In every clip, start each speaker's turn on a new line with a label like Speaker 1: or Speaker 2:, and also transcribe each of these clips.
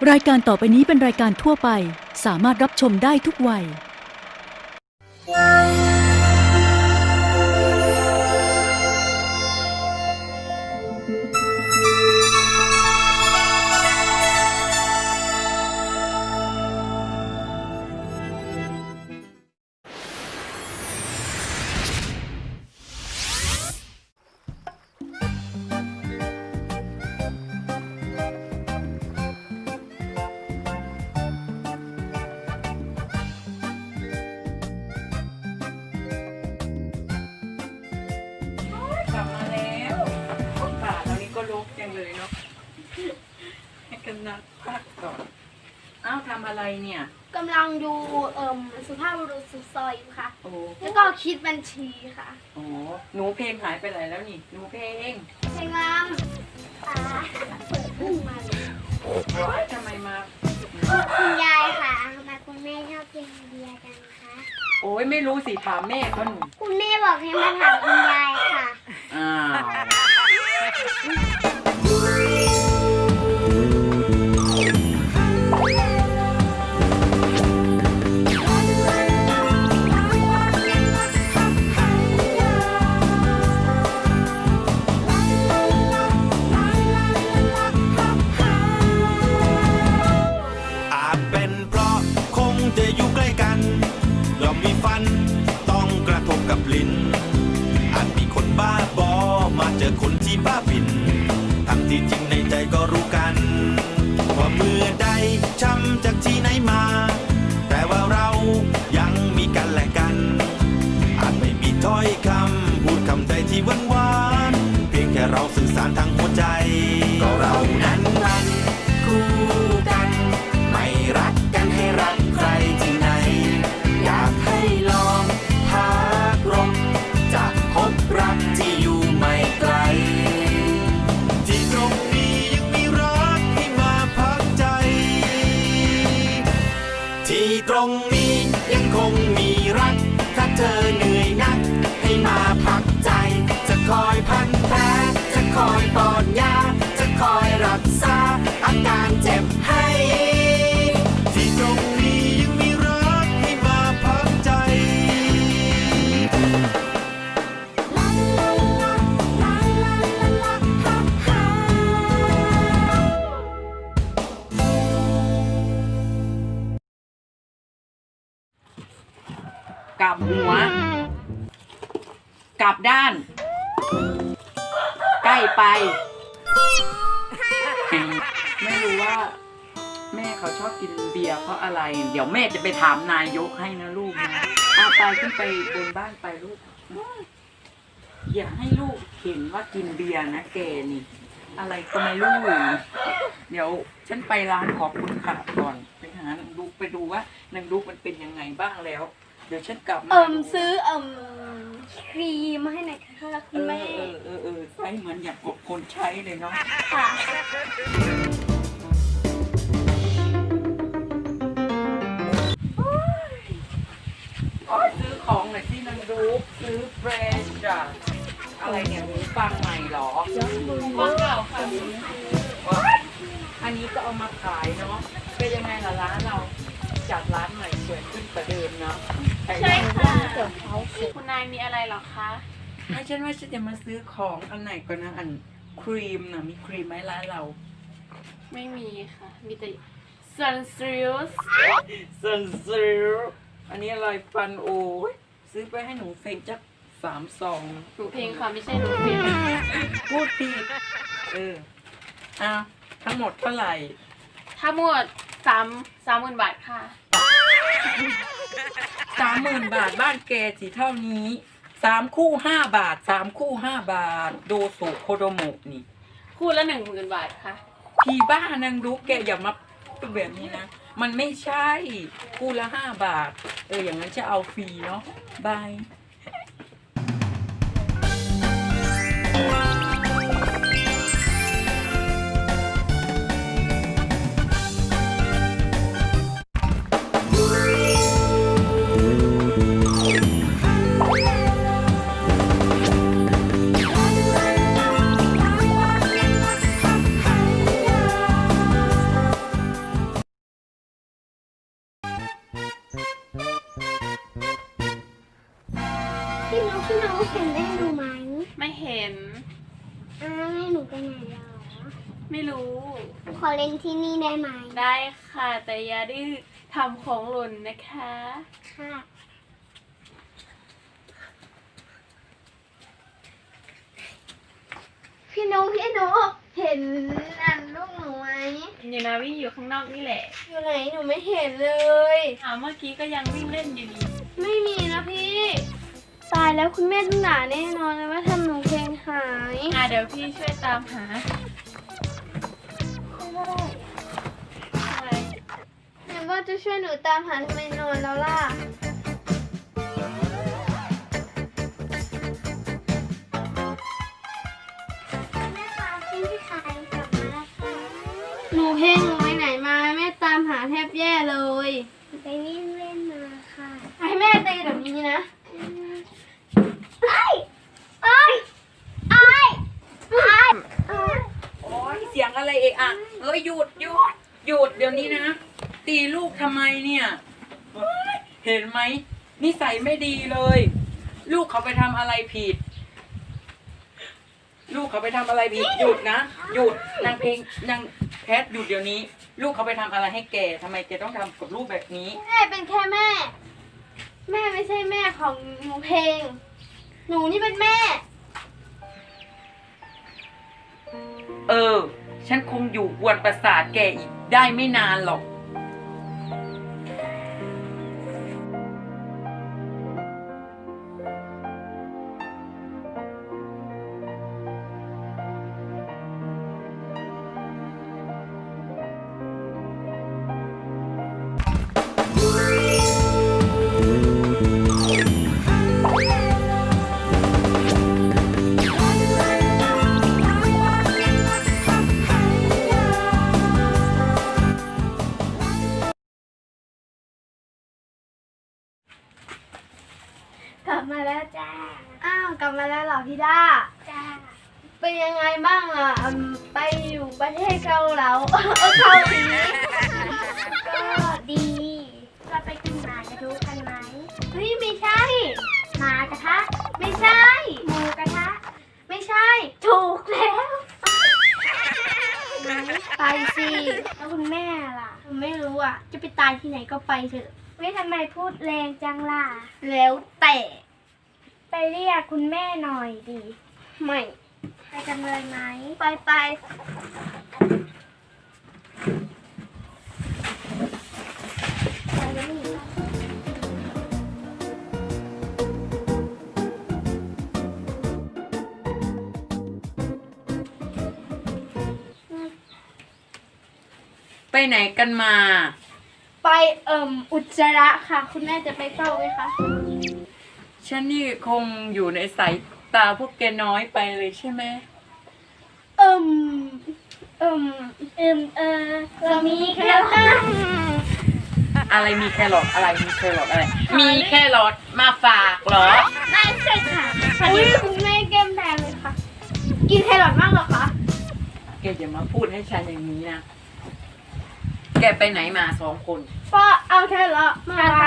Speaker 1: รายการต่อไปนี้เป็นรายการทั่วไปสามารถรับชมได้ทุกวัย
Speaker 2: กลับมาแล้วป่าตอนนี้ก็รกจังเลยเนาะให้กันนักพักก่อนอ้าวทำอะไรเนี่ย
Speaker 3: กำลังดูสุภาพบุรุษสุดซอยอยู่ค่ะ
Speaker 2: โอ้
Speaker 3: แล้วก็คิดบัญชีค่ะ
Speaker 2: โอ้หนูเพลงหายไปไหนแล้วนี่หนูเพลง
Speaker 3: เพลงลำเปิดพุ่งมาเลย
Speaker 2: ทำไมมา
Speaker 3: คุณยายค่ะทำไมคุณแม่ชอบกินเบียร์จังคะ
Speaker 2: โอ้ยไม่รู้สิถามแม่เขาหนู
Speaker 3: คุณแม่บอกให้มาถามคุณยายค่ะ
Speaker 2: อ้าว
Speaker 4: อาจเป็นเพราะคงจะอยู่ใกล้กันย่อมมีฟันต้องกระทบกับลิ้นอาจมีคนบ้าบอมาเจอคนที่บ้าบินทั้งที่จริงในใจก็รู้กันว่าเมื่อใดช้ำจากที่ไหนมา แต่ว่าเรายังมีกันและกัน อาจไม่มีถ้อยคำพูดคำใดที่หวานๆเพียงแค่เราสื่อสารทางหัวใจก็เรานั้นมันคู่กัน ไม่รักกันให้รักใครที่ไหน อยากให้ลองหากรบจะพบรักที่อยู่ไม่ไกล ที่ตรงนี้ยังมีรักให้มาพักใจ ที่ตรงนี้ยังคงมีรัก ถ้าเธอเหนื่อยนักให้มาพักใจ จะคอยพันแผลจะคอยป้อนยาจะคอยรักษาอาการเจ็บให้ ที่ตรงนี้ยังมีรักให้มาพักใจ
Speaker 2: กลับหัว กลับด้าน ใกล้ไป ไม่รู้ว่า แม่เขาชอบกินเบียร์เพราะอะไร เดี๋ยวแม่จะไปถามนายกให้นะลูกนะเอาไปขึ้นไปบนบ้านไปลูก อย่าให้ลูกเห็นว่ากินเบียร์นะแกนี่ อะไรก็ไม่รู้ เดี๋ยวฉันไปร้านขอบคุณค่ะก่อนไปหานางลูกไปดูว่านางลูกมันเป็นยังไงบ้างแล้ว เดี๋ยวฉันกลับมา
Speaker 3: ซื้อครีมมาให้หน่อยค่ะคุณแม่
Speaker 2: ใช้เหมือนอย่างคนใช้เลยเนาะ
Speaker 3: ค่ะ
Speaker 2: ขอซื้อของหน่อยที่นางลูกซื้อเฟรชจ้ะอะไรเนี่ยหูฟังใหม่เหรอฟังเก่าค่ะอันนี้ก็เอามาขายเนาะเป็นยังไงล่ะร้านเราจัดร้านใหม่สวยขึ้นกว่าเดิมเนาะ
Speaker 3: ใช่ค่ะ
Speaker 5: คุณนายมีอะไรเหรอคะ
Speaker 2: ไม่ฉันว่าฉันจะมาซื้อของอันไหนก่อนนะอันครีมนะมีครีมไหมร้านเรา
Speaker 5: ไม่มีค่ะ มีแต่ Sunsilk
Speaker 2: ซันซิลอันนี้อะไรฟันโอ้ยซื้อไปให้หนูเฟงจัก3 ซอง
Speaker 5: หนูเพลงค่ะไม่ใช่หนูเพลง
Speaker 2: พูดผิดอ้าวทั้งหมดเท่าไหร่
Speaker 5: ทั้งหมด30,000 บาทค่ะ
Speaker 2: 30,000 บาทบ้านแกสิเท่านี้3 คู่ 5 บาท3 คู่ 5 บาทโดสุโคโดโมะนี่
Speaker 5: คู่ละ 10,000 บาทค่ะ
Speaker 2: พี่บ้านางรู้แกอย่ามาเป็นแบบนี้นะ มันไม่ใช่คู่ละ5 บาทอย่างนั้นจะเอาฟรีเนาะบาย
Speaker 3: ให้หนูไปไหนเหรอ
Speaker 5: ไม่รู้
Speaker 3: หนูขอเล่นที่นี่ได้ไหม
Speaker 5: ได้ค่ะ แต่อย่าดื้อทำของหล่นนะคะ
Speaker 3: ค่ะ พี่นุเห็นลูกหนูไหม
Speaker 5: อยู่นาวิ่งอยู่ข้างนอกนี่แหละ
Speaker 3: อยู่ไหนหนูไม่เห็นเลย
Speaker 5: เมื่อกี้ก็ยังวิ่งเล่นอยู่ดี
Speaker 3: ไม่มีนะพี่ ตายแล้วคุณแม่ต้องด่าแน่นอนเลยว่าทำหนูเพลงหาย
Speaker 5: เดี๋ยวพี่ช่วยตามหาอะไร
Speaker 3: แม่ว่าจะช่วยหนูตามหาทำไมนอนแล้วล่ะ แม่คะพี่ขายกลับมาแล้วค่ะ
Speaker 6: หนูเพลงหนูไปไหนมาแม่ตามหาแทบแย่เลย
Speaker 3: ไปวิ่งเล่นมาค่ะ
Speaker 6: ให้แม่ตีแบบนี้นะ
Speaker 3: ไอ้ไอ้ไอ้ไอ้
Speaker 2: โอ้ยเสียงอะไรเอะอะเฮ้ยหยุดเดี๋ยวนี้นะ ตีลูกทำไมเนี่ยเฮ้ยเห็นไหมนิสัยไม่ดีเลย ลูกเขาไปทำอะไรผิด ลูกเขาไปทำอะไรผิดหยุดนะหยุดนางเพลงนางแพทหยุดเดี๋ยวนี้ ลูกเขาไปทำอะไรให้แกทำไมแกต้องทำกับลูกแบบนี้
Speaker 6: แม่เป็นแค่แม่ แม่ไม่ใช่แม่ของหนูเพลง หนูนี่เป็นแม่
Speaker 2: ฉันคงอยู่กวนประสาทแกอีกได้ไม่นานหรอก
Speaker 3: กลับมาแล้วจ้า
Speaker 6: อ้าวกลับมาแล้วเหรอพี่ด้า
Speaker 3: จ้า
Speaker 6: เป็นยังไงบ้างล่ะไปอยู่ประเทศเกาเหลา เกาหลี
Speaker 3: ก็ดีเราไปกินหมากระทุกันไหม
Speaker 6: เฮ้ยไม่ใช่
Speaker 3: หมากระทะ
Speaker 6: ไม่ใช่
Speaker 3: หมูกระทะ
Speaker 6: ไม่ใช่
Speaker 3: ถูกแล้ว
Speaker 6: ไปสิ
Speaker 3: แล้วคุณแม่ล่ะ
Speaker 6: ไม่รู้อ่ะ จะไปตายที่ไหนก็ไปเถอะ
Speaker 3: ไม่ทำไมพูดแรงจังล่ะ
Speaker 6: แล้วแต่
Speaker 3: ไปเรียกคุณแม่หน่อยดิ
Speaker 6: ไม่
Speaker 3: ไปกันเลยไหม
Speaker 6: ไปไป
Speaker 3: ไปแล้วนี่
Speaker 2: ไปไหนกันมา
Speaker 6: ไปอุจจาระค่ะ คุณแม่จะไปเฝ้าไหมคะ
Speaker 2: ฉันนี่คงอยู่ในสายตาพวกแกน้อยไปเลยใช่ไหม
Speaker 3: เรามีแค่ละ
Speaker 2: อะไรมีแครอทอะไรมีแครอทอะไร มีแครอทมาฝากเหรอ
Speaker 3: ไม่ใช่ค่ะ
Speaker 6: อุ้ยคุณแม่แก้มแดงเลยค่ะ กินแครอทมากเหรอคะ
Speaker 2: แกอย่ามาพูดให้ฉันอย่างนี้นะ แกไปไหนมา2 คน
Speaker 6: ก็เอาแครอทมาค่ะ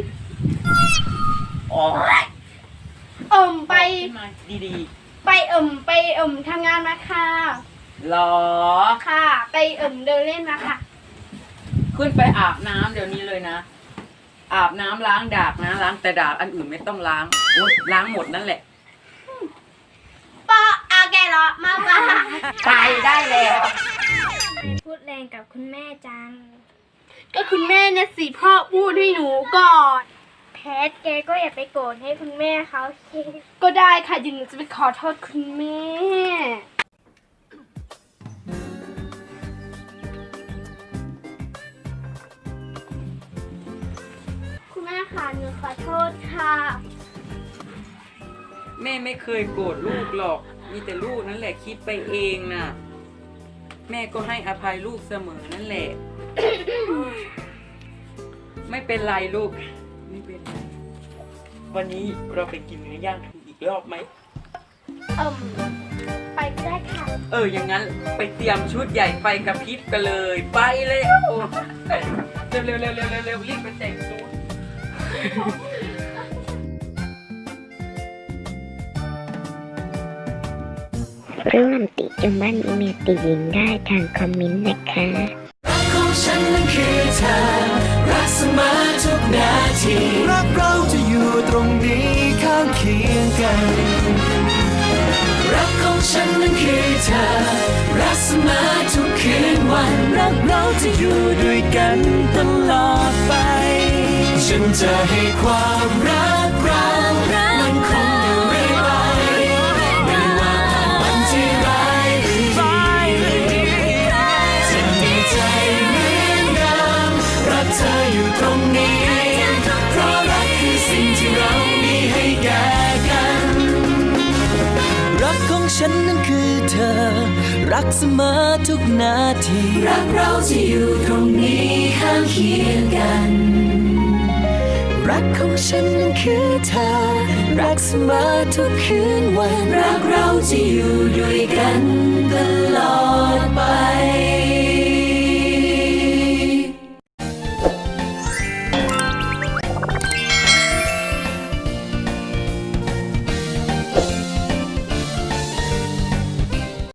Speaker 2: อ๋อ
Speaker 6: ไป
Speaker 2: ขึ้นมาดี
Speaker 6: ไปทำงานมาค่ะ
Speaker 2: ๆหรอ
Speaker 6: ค่ะ ไปเดินเล่นมาค่ะ
Speaker 2: ขึ้นไปอาบน้ำเดี๋ยวนี้เลยนะ อาบน้ำล้างดากนะ ล้างแต่ดากอันอื่นไม่ต้องล้างโอ๊ยล้างหมดนั่นแหละ
Speaker 6: ก็เอาแครอทมาค่ะ
Speaker 2: ไปได้แล้ว
Speaker 3: พูดแรงกับคุณแม่จัง
Speaker 6: ก็คุณแม่เนี่ยสิพ่อพูดให้หนูก่อน
Speaker 3: แพทแกก็อย่าไปโกรธให้คุณแม่เขาสิ
Speaker 6: ก็ได้ค่ะเดี๋ยวหนูจะไปขอโทษคุณแม่ คุณแม่ค่ะหนูขอโทษค่ะ
Speaker 2: แม่ไม่เคยโกรธลูกหรอก มีแต่ลูกนั่นแหละคิดไปเองน่ะ แม่ก็ให้อภัยลูกเสมอนั่นแหละ ไม่เป็นไรลูก ไม่เป็นไร วันนี้เราไปกินเนื้อย่างถูกอีกรอบไหม
Speaker 3: ไปก็ได้ค่ะ
Speaker 2: อย่างนั้นไปเตรียมชุดใหญ่ไฟกระพริบกันเลย ไปเลยโอ้เร็วเร็วเร็วเร็วเร็วรีบไปแต่งชุด
Speaker 7: ร่วมติชมบ้านอีเมลติหญิงได้ทางคอมเมนต์นะคะ
Speaker 8: รักของฉันนั้นคือเธอ รักเสมอทุกนาที รักเราจะอยู่ตรงนี้ข้างเคียงกัน รักของฉันนั้นคือเธอ รักเสมอทุกคืนวัน รักเราจะอยู่ด้วยกันตลอดไป ฉันจะให้ความรักเรามันคงอยู่เรื่อยไปไม่ว่าวันที่ร้ายหรือดีจะมีใจเหมือนเดิมรักเธออยู่ตรงนี้ เพราะรักคือสิ่งที่เรามีให้แก่กัน รักของฉันนั้นคือเธอ รักเสมอทุกนาที รักเราจะอยู่ตรงนี้ข้างเคียงกัน รักของฉันนั้นคือเธอ รักเสมอทุกคืนวัน รักเราจะอยู่ด้วยกันตลอด